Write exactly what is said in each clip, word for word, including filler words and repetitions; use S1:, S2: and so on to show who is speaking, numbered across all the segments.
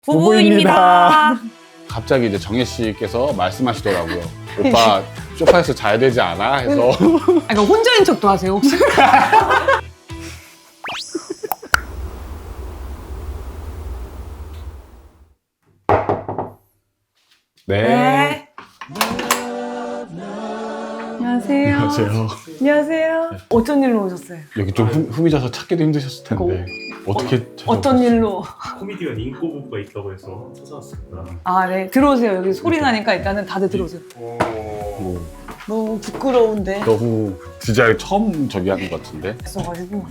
S1: 부부입니다.
S2: 갑자기 이제 정혜 씨께서 말씀하시더라고요. 오빠 소파에서 자야 되지 않아? 해서
S1: 아, 그러니까 혼자인 척도 하세요 혹시?
S2: 네.
S1: 네. 안녕하세요.
S2: 안녕하세요.
S1: 안녕하세요. 어쩐 일로 오셨어요?
S2: 여기 좀 흠- 흠이져서 찾기도 힘드셨을 텐데 어떻게
S1: 어떤
S2: 찾아오셨어요?
S1: 일로?
S3: 코미디언 인꼬부부가 있다고 해서 찾아왔습니다.
S1: 아, 네. 들어오세요. 여기 소리 나니까 일단은 다들 들어오세요.
S2: 뭐,
S1: 너무 부끄러운데.
S2: 너무 진짜 처음 저기 하는 것 같은데
S1: 있어가지고.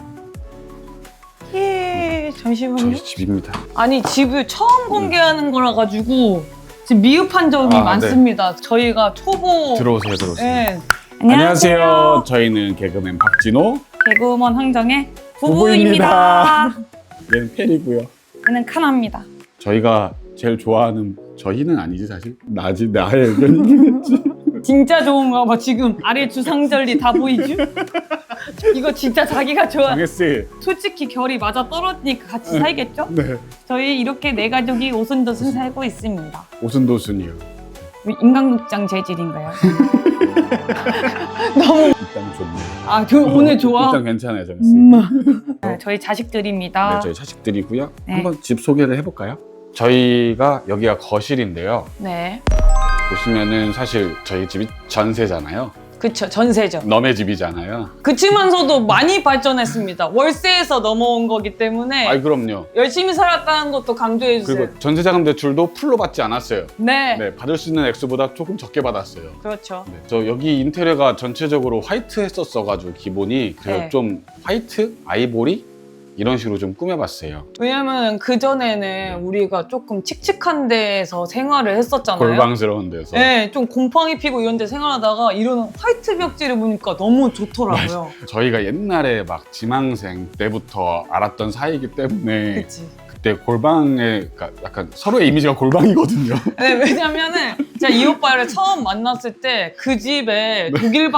S1: 예, 잠시만요.
S2: 저희 집입니다.
S1: 아니, 집을 처음 공개하는 거라 가지고 지금 미흡한 점이
S2: 아,
S1: 많습니다. 저희가 초보.
S2: 들어오세요, 들어오세요.
S1: 네.
S2: 안녕하세요. 저희는 개그맨 박진호
S1: 개그우먼 황정의
S2: 부부입니다.
S1: 부부입니다.
S2: 얘는 펠이고요.
S1: 얘는 카나입니다.
S2: 저희가 제일 좋아하는 저희는 아니지 사실 나지 나의 의견이겠지.
S1: 진짜 좋은가 봐. 지금 아래 주상절리 다 보이죠? 이거 진짜 자기가 좋아.
S2: 정혜 씨.
S1: 솔직히 결이 맞아 떨어지니까 같이 살겠죠?
S2: 네.
S1: 저희 이렇게 네 가족이 오순도순 살고 있습니다.
S2: 오순도순이요.
S1: 인간극장 재질인가요? 너무
S2: 일단 좋네요.
S1: 아, 저 오늘 좋아.
S2: 일단 괜찮아요, 정혜 씨.
S1: 음. 네, 저희 자식들입니다.
S2: 네, 저희 자식들이고요.
S1: 네.
S2: 한번 집 소개를 해볼까요? 저희가 여기가 거실인데요.
S1: 네,
S2: 보시면은 사실 저희 집이 전세잖아요.
S1: 그쵸. 전세죠.
S2: 너네 집이잖아요.
S1: 그치만서도 많이 발전했습니다. 월세에서 넘어온 거기 때문에
S2: 아이 그럼요.
S1: 열심히 살았다는 것도 강조해 주세요.
S2: 그리고 전세자금 대출도 풀로 받지 않았어요.
S1: 네.
S2: 네, 받을 수 있는 액수보다 조금 적게 받았어요.
S1: 그렇죠.
S2: 네, 저 여기 인테리어가 전체적으로 화이트 했었어가지고 기본이 그래서
S1: 네.
S2: 좀 화이트, 아이보리 이런 식으로 좀 꾸며봤어요.
S1: 왜냐면 그전에는 우리가 조금 칙칙한 데에서 생활을 했었잖아요.
S2: 골방스러운 데서.
S1: 네, 좀 곰팡이 피고 이런 데 생활하다가 이런 화이트 벽지를 보니까 너무 좋더라고요.
S2: 저희가 옛날에 막 지망생 때부터 알았던 사이이기 때문에
S1: 그치.
S2: 그때 골방에 그러니까 약간 서로의 이미지가 골방이거든요.
S1: 네, 왜냐면은 제가 이 오빠를 처음 만났을 때 그 집에 독일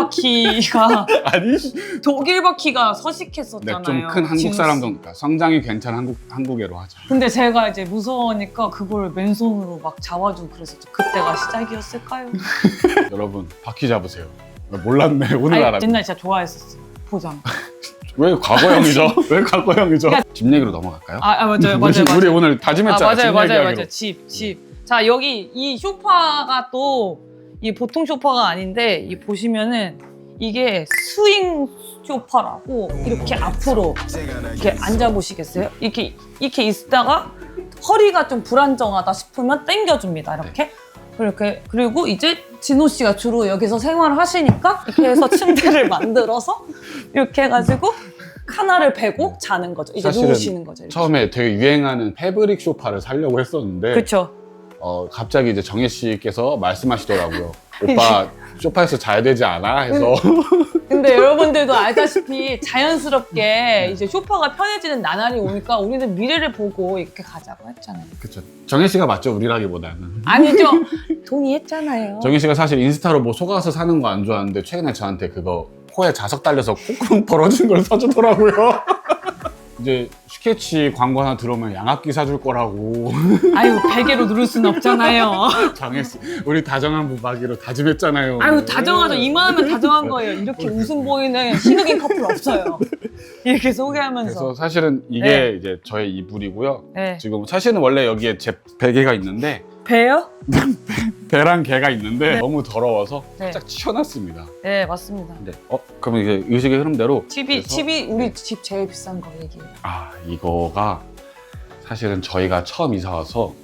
S1: 바퀴가
S2: 아니,
S1: 독일 바퀴가
S2: 네,
S1: 서식했었잖아요.
S2: 좀 큰 한국
S1: 진우
S2: 사람도
S1: 씨.
S2: 그러니까 성장이 괜찮은 한국 한국애로 하자.
S1: 근데 제가 이제 무서우니까 그걸 맨손으로 막 잡아주고 그랬었죠. 그때가 시작이었을까요?
S2: 여러분 바퀴 잡으세요. 몰랐네 오늘
S1: 아니,
S2: 알았네.
S1: 옛날 진짜 좋아했었어요. 보장.
S2: 왜 과거형이죠? 왜 과거형이죠? 집 얘기로 넘어갈까요?
S1: 아, 아 맞아요,
S2: 우리,
S1: 맞아요, 맞아요.
S2: 우리 오늘 다짐했잖아.
S1: 아, 맞아요,
S2: 집
S1: 맞아요,
S2: 얘기하기로.
S1: 맞아요. 집, 집. 자, 여기 이 소파가 또 이 보통 소파가 아닌데 이 보시면은 이게 스윙 소파라고 이렇게 앞으로 이렇게 앉아 보시겠어요? 이렇게 이렇게 있다가 허리가 좀 불안정하다 싶으면 당겨줍니다. 이렇게. 그렇게 그리고 이제 진호 씨가 주로 여기서 생활을 하시니까 이렇게 해서 침대를 만들어서 이렇게 해가지고 카나를 베고 자는 거죠. 이제
S2: 사실은
S1: 누우시는 거죠. 이렇게.
S2: 처음에 되게 유행하는 패브릭 소파를 사려고 했었는데
S1: 그렇죠.
S2: 어, 갑자기 이제 정혜 씨께서 말씀하시더라고요. 오빠 소파에서 자야 되지 않아? 해서
S1: 근데 여러분들도 알다시피 자연스럽게 이제 소파가 편해지는 나날이 오니까 우리는 미래를 보고 이렇게 가자고 했잖아요.
S2: 그쵸. 정혜 씨가 맞죠 우리라기보다는.
S1: 아니죠. 동의했잖아요.
S2: 정혜 씨가 사실 인스타로 뭐 속아서 사는 거 안 좋아하는데 최근에 저한테 그거 코에 자석 달려서 콩콩 벌어진 걸 사주더라고요. 이제 스케치 광고 하나 들어오면 양압기 사줄 거라고.
S1: 아유, 베개로 누를 순 없잖아요.
S2: 정혜 씨, 우리 다정한 부박이로 다짐했잖아요.
S1: 아유, 다정하죠. 이만하면 다정한 거예요. 이렇게 웃음 보이는 신흑인 커플 없어요. 이렇게 소개하면서.
S2: 그래서 사실은 이게
S1: 네.
S2: 이제 저의 이불이고요.
S1: 네.
S2: 지금 사실은 원래 여기에 제 베개가 있는데
S1: 배요?
S2: 배랑 개가 있는데
S1: 네.
S2: 너무 더러워서
S1: 네.
S2: 살짝 치워놨습니다.
S1: 네, 맞습니다.
S2: 네. 어 그러면 이제 의식의 흐름대로
S1: 팁이,
S2: 그래서-
S1: 팁이 우리 집 제일 비싼 거 얘기해요.
S2: 아 이거가 사실은 저희가 처음 이사 와서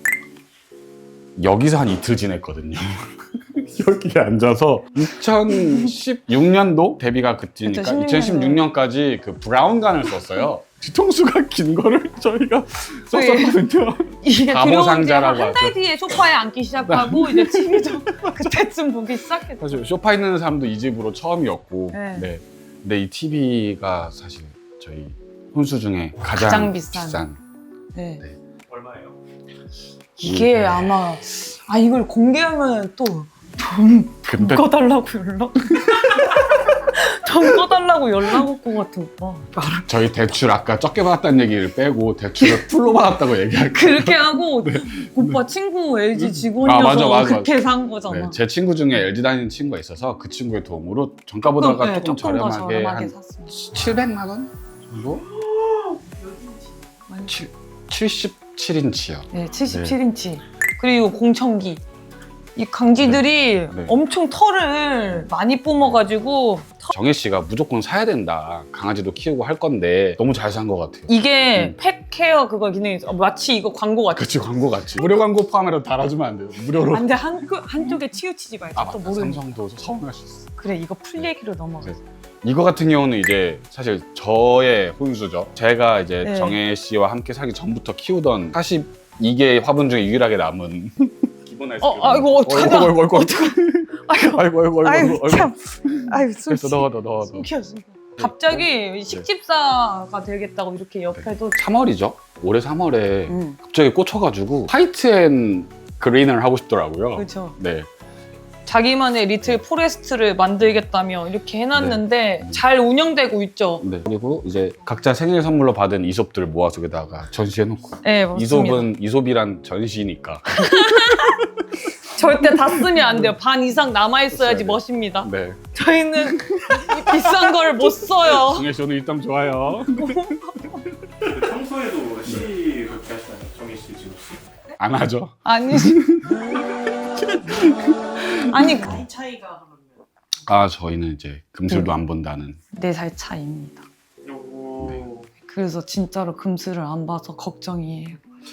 S2: 여기서 한 이틀 지냈거든요. 여기에 앉아서 이천십육 년도 데뷔가 그때니까
S1: 그쵸,
S2: 이천십육 년까지 그 브라운관을 썼어요. 뒤통수가 긴 거를 저희가 썼었거든요.
S1: 이게
S2: 바보
S1: 들어온
S2: 상자라고
S1: 지한 달
S2: 하죠.
S1: 뒤에 소파에 앉기 시작하고 이제 티비 좀 그때쯤 보기 시작했죠.
S2: 사실 소파 있는 사람도 이 집으로 처음이었고,
S1: 네.
S2: 네. 근데 이 티비가 사실 저희 혼수 중에 가장,
S1: 가장 비싼. 네.
S2: 네.
S3: 얼마예요?
S1: 이게
S2: 네.
S1: 아마 아 이걸 공개하면 또 돈
S2: 근데
S1: 꺼달라고 연락 돈 꺼달라고 연락 올 것 같아 오빠.
S2: 저희 대출 아까 적게 받았다는 얘기를 빼고 대출을 풀로 받았다고 얘기할게요.
S1: 그렇게 하고 오빠 친구 엘지 직원이어서
S2: 아, 맞아, 맞아,
S1: 그렇게 산 거잖아.
S2: 네, 제 친구 중에 엘지 다니는 친구가 있어서 그 친구의 도움으로 정가보다가
S1: 네,
S2: 조금,
S1: 조금 더
S2: 저렴하게
S1: 저렴하게
S2: 한
S1: 샀습니다.
S2: 칠백만 원 정도? 칠, 칠십칠 인치요.
S1: 네, 칠십칠 인치. 그리고 공청기. 이 강쥐들이
S2: 네.
S1: 엄청 털을 많이 뿜어가지고
S2: 정혜 씨가 무조건 사야 된다. 강아지도 키우고 할 건데 너무 잘 산 것 같아요.
S1: 이게
S2: 음.
S1: 펫 케어 그거 기능이 있어. 마치 이거 광고 같아.
S2: 그치, 광고 같이. 무료 광고 포함해서 달아주면 안 돼요. 무료로.
S1: 안돼 한, 한쪽에 치우치지 말자.
S2: 아
S1: 또
S2: 맞다.
S1: 모르는.
S2: 삼성도 서운할 수 있어.
S1: 그래 이거 풀 얘기로 넘어가.
S2: 네. 이거 같은 경우는 이제 사실 저의 혼수죠. 제가 이제
S1: 네.
S2: 정혜 씨와 함께 살기 전부터 키우던 사십이 개의 화분 중에 유일하게 남은 기본 아이스크림.
S1: 어, 아이고, 어떡하냐.
S2: 어이구, 어이구, 어이구.
S1: 아이고
S2: 아이고, 아이고, 아이고,
S1: 아이고
S2: 아이고.
S1: 참. 아이고 숨
S2: 됐어, 넣어, 넣어, 넣어. 넣어.
S1: 숨겨 숨겨. 갑자기 식집사가 되겠다고 이렇게 옆에도.
S2: 삼월이죠. 올해 삼월에
S1: 음.
S2: 갑자기 꽂혀가지고 화이트 앤 그린을 하고 싶더라고요.
S1: 그렇죠.
S2: 네.
S1: 자기만의 리틀 포레스트를 만들겠다며 이렇게 해놨는데
S2: 네.
S1: 잘 운영되고 있죠.
S2: 네. 그리고 이제 각자 생일 선물로 받은 이솝들 모아서 여기다가 전시해놓고.
S1: 네, 맞습니다.
S2: 이솝은 이솝이란 전시니까.
S1: 절대 다 쓰면 안 돼요. 반 이상 남아있어야지
S2: 있어야 돼요.
S1: 멋입니다.
S2: 네.
S1: 저희는 이 비싼 걸 못 써요.
S2: 정혜 씨는 일단 좋아요.
S3: 평소에도 시 그렇게 하시나요? 정희 씨 지금 씨?
S2: 안 하죠.
S1: 아니. 아니,
S4: 나이 차이가 그러면
S2: 아 저희는 이제 금슬도
S1: 음.
S2: 안 본다는.
S1: 네 살 차이입니다.
S3: 요거
S1: 그래서 진짜로 금슬을 안 봐서 걱정이에요.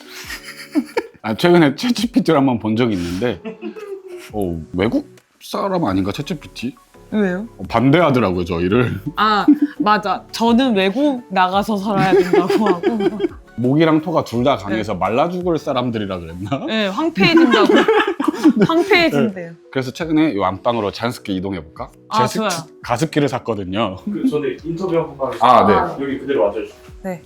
S2: 아 최근에 챗지피티를 한번 본 적이 있는데 어, 외국 사람 아닌가 챗지피티?
S1: 왜요?
S2: 어, 반대하더라고요 저희를.
S1: 아, 맞아. 저는 외국 나가서 살아야 된다고 하고.
S2: 목이랑 토가 둘 다 강해서 말라 죽을 사람들이라 그랬나?
S1: 네, 황폐해진다고. 황폐해진대요.
S2: 그래서 최근에 이 안방으로 자연스럽게 이동해볼까?
S1: 아,
S2: 제가
S1: 좋아요.
S2: 가습기를 샀거든요.
S3: 그 전에 인터뷰 한번 받으셨
S2: 아,
S1: 네.
S3: 여기 그대로 와주시죠.
S1: 네.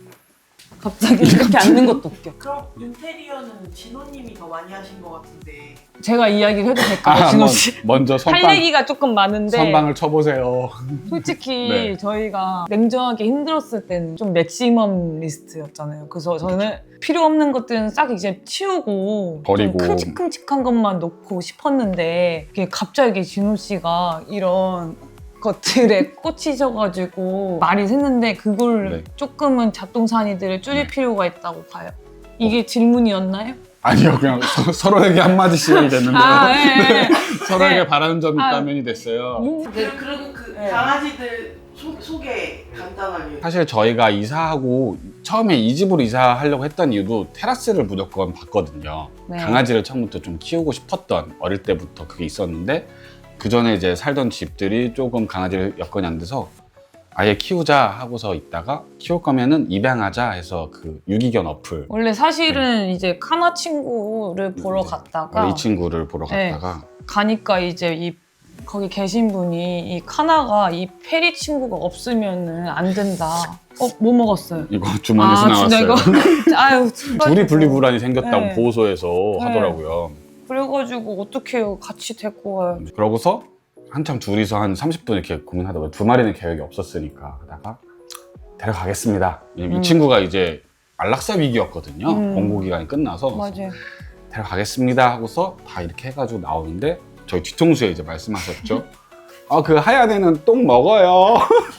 S1: 갑자기 이렇게 앉는 것도 웃겨.
S4: 그럼 인테리어는 진호님이 더 많이 하신 것 같은데
S1: 제가 이야기를 해도 될까요,
S2: 아,
S1: 진호
S2: 뭐,
S1: 씨?
S2: 먼저
S1: 할
S2: 선방,
S1: 얘기가 조금 많은데
S2: 선방을 쳐보세요.
S1: 솔직히
S2: 네.
S1: 저희가 냉정하게 힘들었을 때는 좀 맥시멈 리스트였잖아요. 그래서 저는 필요 없는 것들은 싹 이제 치우고
S2: 버리고.
S1: 좀 큼직큼직한 것만 놓고 싶었는데 이게 갑자기 진호 씨가 이런 것들에 꽂히셔가지고 말이 샜는데 그걸
S2: 네.
S1: 조금은 잡동사니들을 줄일
S2: 네.
S1: 필요가 있다고 봐요. 이게 질문이었나요?
S2: 아니요, 그냥 서, 서로에게 한마디씩 됐는데요.
S1: 아, 네.
S2: 서로에게
S1: 네.
S2: 바라는 점이
S1: 아.
S2: 있다면이 됐어요.
S1: 네.
S4: 그- 그리고 그
S1: 네.
S4: 강아지들 소, 소개 간단하게
S2: 사실 저희가 이사하고 처음에 이 집으로 이사하려고 했던 이유도 테라스를 무조건 봤거든요.
S1: 네.
S2: 강아지를 처음부터 좀 키우고 싶었던 어릴 때부터 그게 있었는데 그 전에 이제 살던 집들이 조금 강아지를 여건이 안 돼서 아예 키우자 하고서 있다가 키울 거면은 입양하자 해서 그 유기견 어플
S1: 원래 사실은 이제 카나 친구를 보러
S2: 네.
S1: 갔다가
S2: 이 친구를 보러
S1: 네.
S2: 갔다가
S1: 가니까 이제 이 거기 계신 분이 이 카나가 이 페리 친구가 없으면은 안 된다. 어, 뭐 먹었어요?
S2: 이거 주머니에서
S1: 진짜
S2: 나왔어요.
S1: 이거 아유
S2: 둘이 분리불안이 생겼다고
S1: 네.
S2: 보호소에서
S1: 네.
S2: 하더라고요.
S1: 그래가지고 어떻게 해요? 같이 데리고 가요.
S2: 그러고서 한참 둘이서 한 삼십 분 이렇게 고민하다가 두 마리는 계획이 없었으니까 하다가 데려가겠습니다. 왜냐면
S1: 음.
S2: 이 친구가 이제 안락사 위기였거든요.
S1: 음.
S2: 공고 기간이 끝나서
S1: 맞아요.
S2: 데려가겠습니다 하고서 다 이렇게 해가지고 나오는데 저희 뒤통수에 이제 말씀하셨죠. 아 그 하얀 애는 똥 먹어요.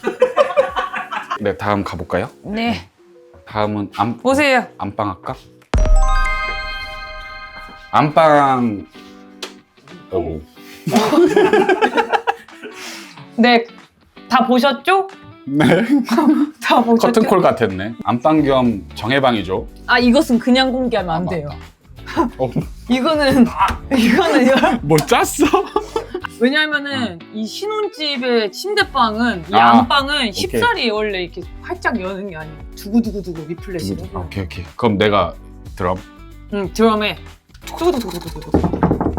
S2: 네 다음 가볼까요?
S1: 네,
S2: 다음은 안,
S1: 보세요.
S2: 안방 할까? 안방 오.
S1: 네, 다 보셨죠?
S2: 네
S1: 다 보셨죠?
S2: 커튼콜 같았네. 안방 겸 정해방이죠.
S1: 아 이것은 그냥 공개하면 안
S2: 아,
S1: 돼요.
S2: 어,
S1: 이거는 이거는 이거
S2: 뭐 짰어?
S1: 왜냐면은 이 신혼집의 침대방은 이
S2: 아,
S1: 안방은 쉽사리 원래 이렇게 활짝 여는 게 아니에요. 두구두구두구 리플래시로.
S2: 아, 오케이 오케이. 그럼 내가 드럼.
S1: 응, 드럼에 두구두구두구두구.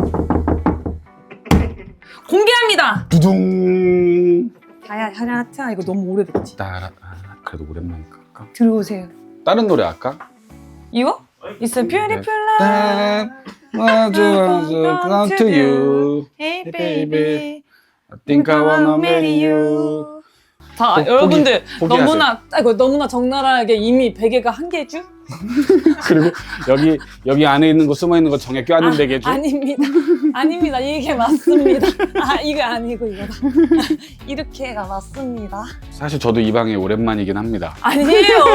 S1: 공개합니다.
S2: 두둥.
S1: 야야 야야야 이거 너무 오래됐지.
S2: 따라. 아, 그래도 오랜만이니까. 할까?
S1: 들어오세요.
S2: 다른 노래 할까?
S1: 이거? It's a beautiful life.
S2: 네. What do I do come to you?
S1: Hey
S2: baby.
S1: baby.
S2: I think I wanna marry you.
S1: 다
S2: 포-
S1: 여러분들
S2: 포기- 포기하세요.
S1: 너무나 아이고, 너무나 적나라하게 이미 베개가 한 개죠?
S2: 그리고 여기 여기 안에 있는 거 숨어 있는 거 정에 껴안는 베개죠.
S1: 아닙니다. 아닙니다. 이게 맞습니다. 아 이거 아니고 이거다. 이렇게가 맞습니다.
S2: 사실 저도 이 방이 오랜만이긴 합니다.
S1: 아니에요.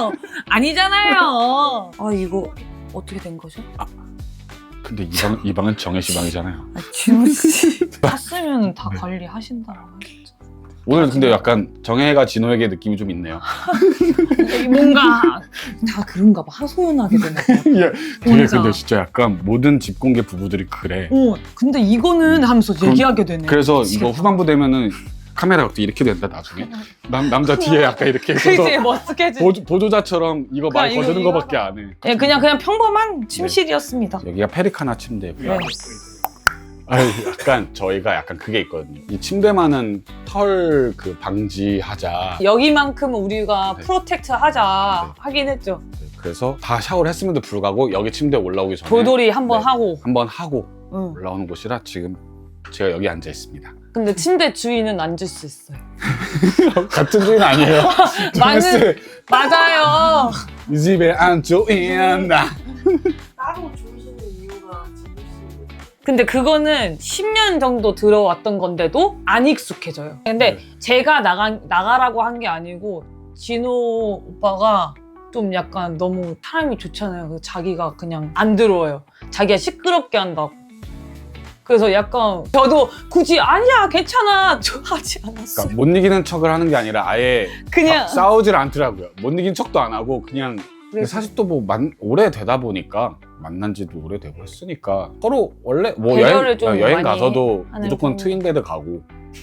S1: 아니잖아요. 아 이거 어떻게 된 거죠?
S2: 근데 이 방 이 방은 정혜 씨 방이잖아요.
S1: 아, 지훈 씨 샀으면 다 관리하신다라고 하셨죠.
S2: 오늘 근데 약간 정혜가 진호에게 느낌이 좀 있네요.
S1: 이게 뭔가 다 그런가 봐. 하소연하게 되나 봐.
S2: 예, 되게
S1: 혼자.
S2: 근데 진짜 약간 모든 집공개 부부들이 그래.
S1: 어, 근데 이거는 하면서
S2: 그럼-
S1: 얘기하게 되네.
S2: 그래서
S1: 미치겠다.
S2: 이거 후반부 되면은 카메라가 또 이렇게 된다 나중에. 남 남자 뒤에 약간 이렇게 있어서
S1: 그치 멋스케지.
S2: 보조, 보조자처럼 이거 말
S1: 그냥
S2: 거두는
S1: 이거-
S2: 거밖에 안 해.
S1: 예, 그냥 그냥 평범한 침실이었습니다.
S2: 여기가 페리카나 침대고요.
S1: 네.
S2: 아유, 약간 저희가 약간 그게 있거든요. 이 침대만은 털 그 방지하자.
S1: 여기만큼은 우리가
S2: 네.
S1: 프로텍트 하자
S2: 네.
S1: 하긴 했죠.
S2: 그래서 다 샤워를 했음에도 불구하고 여기 침대에 올라오기 전에
S1: 돌돌이 한번
S2: 네.
S1: 하고.
S2: 한번 하고
S1: 응.
S2: 올라오는 곳이라 지금 제가 여기 앉아 있습니다.
S1: 근데 침대 주인은 앉을 수 있어요.
S2: 같은 주인 아니에요?
S1: 맞는 맞아요.
S2: 이 집에 안 주인다.
S4: 따로 주무시는 이유가 진우 씨.
S1: 근데 그거는 십 년 정도 들어왔던 건데도 안 익숙해져요. 근데
S2: 네.
S1: 제가 나가, 나가라고 한 게 아니고 진호 오빠가 좀 약간 너무 사람이 좋잖아요. 그래서 자기가 그냥 안 들어와요. 자기가 시끄럽게 한다고. 그래서 약간 저도 굳이 아니야 괜찮아 저 하지 않았어요.
S2: 그러니까 못 이기는 척을 하는 게 아니라 아예
S1: 그냥
S2: 싸우질 않더라고요. 못 이긴 척도 안 하고 그냥
S1: 그래서-
S2: 사실 또 뭐 오래 되다 보니까 만난 지도 오래되고 했으니까 서로 원래 뭐
S1: 배려를
S2: 여행,
S1: 좀
S2: 여행
S1: 많이
S2: 가서도
S1: 하는
S2: 무조건
S1: 편.
S2: 트윈베드 가고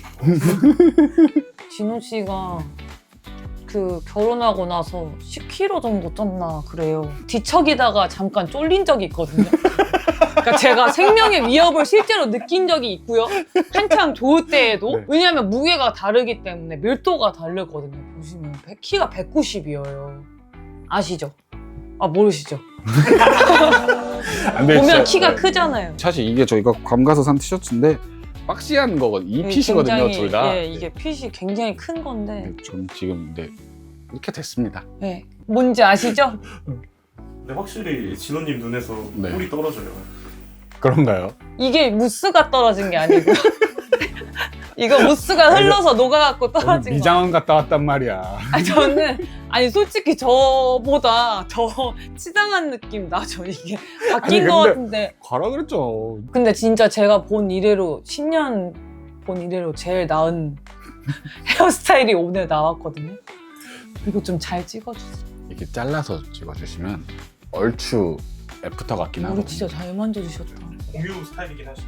S1: 진호 씨가 그 결혼하고 나서 십 킬로그램 정도 쪘나 그래요. 뒤척이다가 잠깐 쫄린 적이 있거든요. 그러니까 제가 생명의 위협을 실제로 느낀 적이 있고요. 한참 좋을 때에도.
S2: 네.
S1: 왜냐하면 무게가 다르기 때문에 밀도가 다르거든요. 보시면 키가 백구십이에요. 아시죠? 아 모르시죠?
S2: 안 돼,
S1: 보면
S2: 진짜.
S1: 키가
S2: 네.
S1: 크잖아요.
S2: 사실 이게 저희가 괌 가서 산 티셔츠인데 박시한 거거든요. 이 핏이거든요,
S1: 굉장히,
S2: 둘 다.
S1: 예, 이게 핏이 굉장히 큰 건데.
S2: 네, 전 지금 네, 이렇게 됐습니다.
S1: 예. 뭔지 아시죠?
S3: 근데 확실히 진호님 눈에서
S2: 네.
S3: 꿀이 떨어져요.
S2: 그런가요?
S1: 이게 무스가 떨어진 게 아니고요. 이거 무스가 흘러서 녹아갖고 떨어진 거.
S2: 미장원 갔다 왔단 말이야.
S1: 아니, 저는 아니 솔직히 저보다 더 치장한 느낌 나죠. 이게 바뀐
S2: 아니,
S1: 거
S2: 근데-
S1: 같은데.
S2: 가라 그랬죠.
S1: 근데 진짜 제가 본 이래로 십 년 본 이래로 제일 나은 헤어스타일이 오늘 나왔거든요. 이거 좀 잘 찍어주세요.
S2: 이렇게 잘라서 찍어주시면 얼추 애프터 같긴 하고.
S1: 우리 진짜 잘 만져주셨다.
S3: 공유 스타일이긴 하시죠.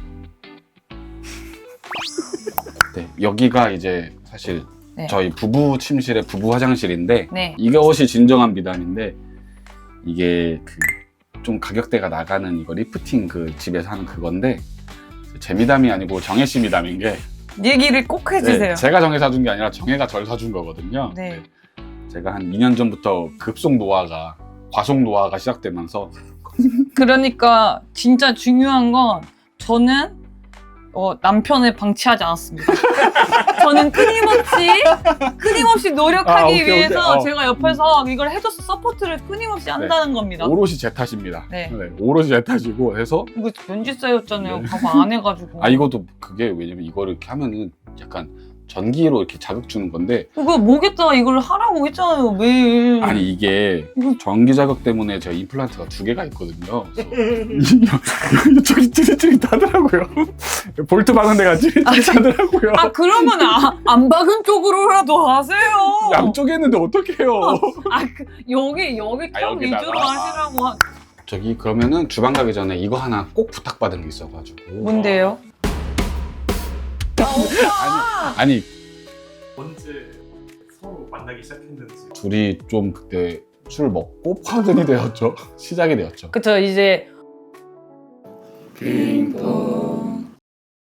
S2: 네, 여기가 이제 사실
S1: 네.
S2: 저희 부부 침실의 부부 화장실인데
S1: 네.
S2: 이것이 진정한 미담인데 이게 그 좀 가격대가 나가는 이거 리프팅 그 집에서 하는 그건데 제 미담이 아니고 정혜 씨 미담인 게
S1: 얘기를 꼭 해주세요.
S2: 네, 제가 정혜 사준 게 아니라 정혜가 절 사준 거거든요.
S1: 네.
S2: 제가 한 이 년 전부터 급속 노화가 과속 노화가 시작되면서
S1: 그러니까 진짜 중요한 건 저는 어, 남편을 방치하지 않았습니다. 저는 끊임없이 끊임없이 노력하기
S2: 아, 오케이, 오케이.
S1: 위해서
S2: 어.
S1: 제가 옆에서 이걸 해줘서 서포트를 끊임없이 한다는 겁니다.
S2: 오롯이 제 탓입니다.
S1: 네.
S2: 오롯이 제 탓이고 해서
S1: 이거 면지 쌓였잖아요.
S2: 네.
S1: 봐봐 안 해가지고.
S2: 아 이것도 그게 왜냐면 이거를 이렇게 하면은 약간 전기로 이렇게 자극 주는 건데
S1: 이거 목에다가 이걸 하라고 했잖아요 매일.
S2: 아니 이게
S1: 이거
S2: 전기 자극 때문에 제가 임플란트가 두 개가 있거든요. 그래서 저기 찌릿찌릿하더라고요. 볼트 박은 데가 찌릿찌릿하더라고요.
S1: 아 그러면 아, 안 박은 쪽으로라도 하세요.
S2: 양쪽에 했는데 어떡해요.
S1: 아 그, 여기 여기
S2: 아,
S1: 턱
S2: 여기다가?
S1: 위주로 하시라고. 하...
S2: 저기 그러면은 주방 가기 전에 이거 하나 꼭 부탁받은 게 있어가지고.
S1: 뭔데요?
S2: 아니
S3: 언제 서로 만나기 시작했는지.
S2: 둘이 좀 그때 술 먹고 파근이 되었죠. 시작이 되었죠.
S1: 그쵸 이제
S2: 빙봉